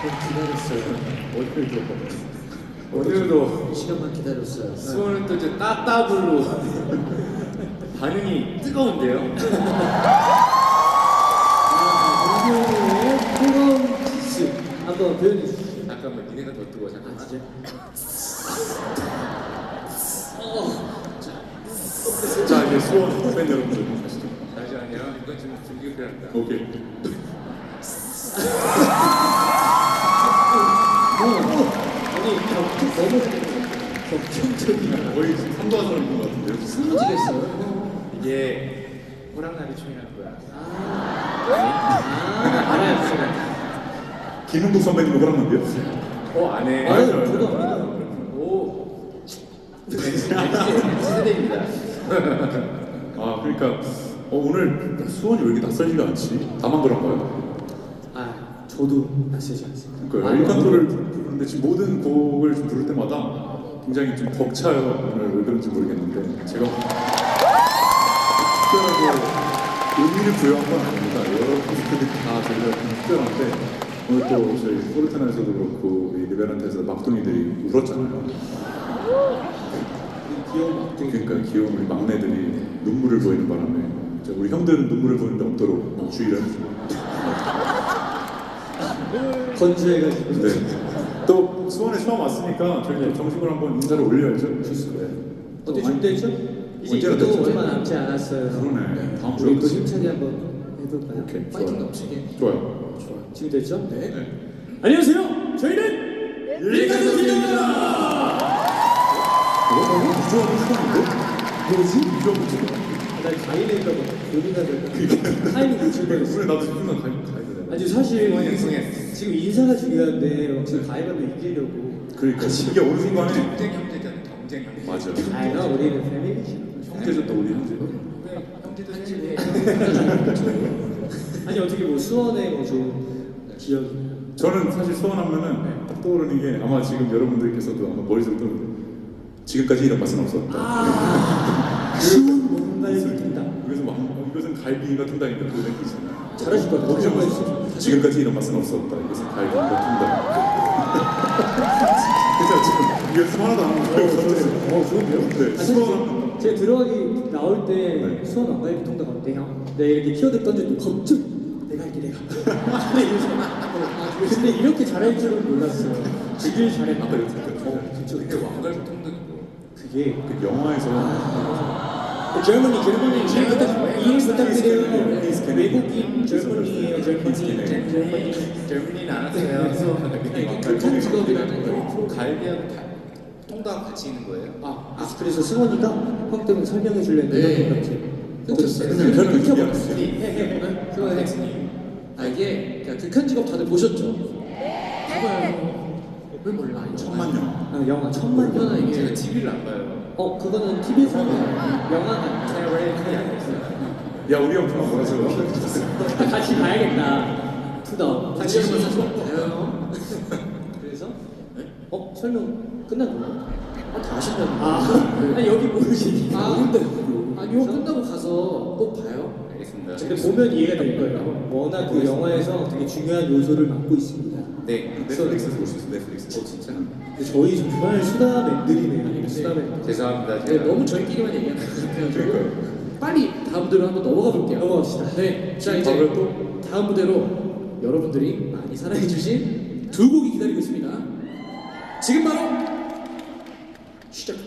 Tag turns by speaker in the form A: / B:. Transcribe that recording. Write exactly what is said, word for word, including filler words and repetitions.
A: 기다렸어요.
B: 오늘도
A: 오늘도 시간만 기다렸어요.
B: 수원은 또 이제 따따블로 반응이 뜨거운데요.
A: 문경의 뜨거운 키스 한번 표현해 주시죠.
B: 잠깐만, 니네가 더 뜨거워. 잠깐만.
A: 아, 진짜?
C: 자 이제 수원 팬 여러분들 가시죠.
B: 잠시만요. 이건 좀 준비가 필요합니다.
C: 오케이.
A: 아니 격 너무 격정적이야.
C: 거의 삼도하는 것 같은데요.
A: 스무지겠어요.
B: 이게 호랑나비 춤이라는 거야.
A: 아 알아요, 제가.
C: 김은국 선배님 호랑나비요?
B: 어, 안 해.
A: 아유,
C: 알죠, 알죠.
A: 저도 압니다.
B: 오. 세대입니다.
C: 아 그러니까 어, 오늘 수원이 왜 이렇게 낯설지가 않지? 다만 그런가요?
A: 아, 저도 낯설지 않습니다.
C: 그러니까
A: 아니,
C: 일간토를 부르는데 지금 모든 곡을 좀 부를 때마다 굉장히 좀 벅차요. 오늘 왜 그런지 모르겠는데 제가 특별하게 의미를 부여한 건 아닙니다. 여러 분들이 다 저희가 좀 특별한데 오늘 또 저희 포르테나에서도 그렇고 이 리베란테에서 막둥이들이 울었잖아요.
A: 귀여운 막둥이.
C: 그러니까 귀여운 우리 막내들이 눈물을 보이는 바람에 이제 우리 형들은 눈물을 보이는 데 없도록 주의를 해주고
A: 건조해가지고.
C: 네. 또 수원에 처음 왔으니까 저희 정식으로 한번 인사를 올려야죠.
A: 좋습니다. 어때 준비됐죠? 이제
C: 언제나
A: 이것도
C: 됐죠?
A: 얼마 남지 않았어요.
C: 그러네. 다음
A: 우리 또
C: 주에
A: 힘차게 한번 해볼까요?
C: 오케이,
A: 파이팅
C: 좋아요.
A: 넘치게.
C: 좋아요.
A: 좋아. 준비됐죠? 네.
C: 네.
A: 안녕하세요. 저희는 일가족입니다.
C: 어? 유저하고 수원인데?
A: 뭐지?
C: 유저하고 지금
A: 난 가일일까봐 고민가 될까. 타이밍 놓칠 뻔했어.
C: 왜 나도 순간 가야 가야 되나?
A: 아니 사실
B: 수원이 양성했어.
A: 지금 인사가 중요한데 지금 가위바위보 이기려고.
C: 그러니까 이게 어느 순간에
B: 경쟁 형제잖아. 경쟁 형제.
C: 맞아.
A: 아이가 우리는 패밀리지.
C: 형제죠 또 우리 형제.
B: 네, 형제도 사실
A: 아니 어떻게 뭐 수원에 뭐 좋은 기억이.
C: 저는 사실 수원하면은 딱 떠오르는 게 아마 지금 여러분들께서도 아마 머릿속에 떠오르는 지금까지 이런 맛은 없었다.
A: 아 수원 뭔가를 듣는다.
C: 그래서 막 어, 이것은 갈비가 통닭인가 그거 느끼잖아요.
A: 잘하실 것 같아요.
C: 거기서
A: 그런 거
C: 뭐
A: 있어요.
C: 지금까지 이런 맛은 없었다. 이것은 갈비가 통닭. 그래서 지금 연습 하나도 안 하고
A: 어 좋은데요?
C: 네,
A: 아, 사실
C: 수원
A: 제가 들어가기 나올 때
C: 네.
A: 수원 안갈비 통닭 어때 형? 내가 이렇게 키워드 던져도 겁쭉 내가 할게 내가. 근데 이러면서 아, 근데 이렇게 잘할 줄은 몰랐어요. 되게 잘했다.
C: 아까 이렇게
A: 어, 그쵸.
B: 근데 왕갈비 통닭이고.
A: 그게
C: 그 영화에서
A: 젊은이 젊은이 이름 부탁 이름
C: Please
A: 부탁드려요.
C: can-
A: 외국인 젊은이에요 젊은이.
B: 젊은이 젊은이는 알았어요.
A: 극한 직업이라는 거.
B: 갈비하고 다- 통닭 같이 있는 거예요?
A: 아, 아 그래서 승원이가 형 때문에 설명해 줄랬는데
D: 네.
A: 이렇게
D: 끊겼어요.
A: 그냥
C: 혈액
A: 끊겨버렸어.
C: 준비하셨어요.
A: 승원
B: 엑스님.
D: 아 이게 그냥 극한 직업 다들 보셨죠? 봐봐요. 왜 몰라?
C: 천만 년.
A: 아, 영화 천만 년.
D: 이거는
B: 제가
D: 이게
B: 티비를 안 봐요.
A: 어 그거는 티비에서 영화가
B: 제가 왜 그게 안 됐어요?
C: 야 우리 형 그만 뭐라서
A: 같이 봐야겠다. 투더.
D: 같이 한번 사서 봐요.
A: 그래서 어 설명 끝난 거예요?
D: 아, 다 하신다는
A: 아,
D: 거.
A: 아니 여기 모르시니?
D: 아,
A: 모른다.
D: 아니 이거 끝나고 가서 꼭 봐요.
B: 알겠습니다.
A: 근데 보면 이해가 될 거예요. 워낙 그 영화에서 되게 중요한 요소를 맡고 있습니다.
B: 네.
C: 넷플릭스에서 볼 수 있어. 넷플릭스.
B: 어 진짜?
A: 근데 저희 정말 수다맨들이네요. 수다맨.
B: 죄송합니다.
D: 네,
B: 제가
D: 너무 저희끼리만 얘기하는 것 같아요.
C: 그러니까요.
D: 빨리 다음 무대로 한번 넘어가 볼게요.
A: 넘어갑시다.
D: 네, 자
C: 바로
D: 이제
C: 또
D: 다음 무대로 여러분들이 많이 사랑해주신 두 곡이 기다리고 있습니다. 지금 바로 시작.